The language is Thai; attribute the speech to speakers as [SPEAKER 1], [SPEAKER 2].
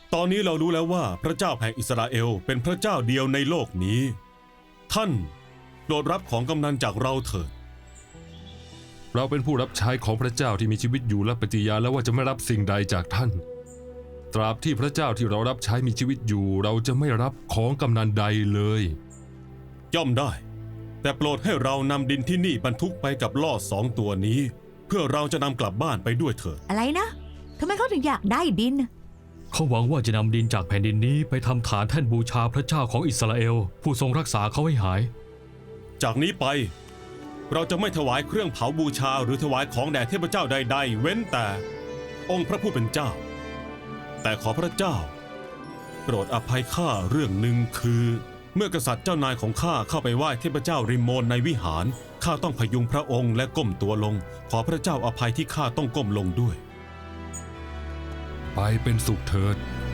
[SPEAKER 1] ตอนนี้เรารู้แล้วว่าพระเจ้าแห่งอิสราเอลเป็นพระเจ้าเดียวในโลกนี้ท่านโปรดรับของกำนันจากเราเถิด
[SPEAKER 2] เราเป็นผู้รับใช้ของพระเจ้าที่มีชีวิตอยู่และปฏิญาณแล้วว่าจะไม่รับสิ่งใดจากท่านตราบที่พระเจ้าที่เรารับใช้มีชีวิตอยู่เราจะไม่รับของกำนันใดเลย
[SPEAKER 1] ย่อมได้แต่โปรดให้เรานำดินที่นี่บรรทุกไปกับล่อ2 ตัวนี้เพื่อเราจะนำกลับบ้านไปด้วยเถิด
[SPEAKER 3] อะไรนะทำไมเขาถึงอยากได้ดิน
[SPEAKER 4] เขาหวังว่าจะนำดินจากแผ่นดินนี้ไปทำฐานแท่นบูชาพระเจ้าของอิสราเอลผู้ทรงรักษาเขาให้หาย
[SPEAKER 1] จากนี้ไปเราจะไม่ถวายเครื่องเผาบูชาหรือถวายของแด่เทพเจ้าใดๆเว้นแต่องค์พระผู้เป็นเจ้าแต่ขอพระเจ้าโปรดอภัยข้าเรื่องหนึ่งคือเมื่อกษัตริย์เจ้านายของข้าเข้าไปไหว้เทพเจ้าริมโมนในวิหารข้าต้องพยุงพระองค์และก้มตัวลงขอพระเจ้าอภัยที่ข้าต้องก้มลงด้วย
[SPEAKER 2] ไปเป็นสุขเถิด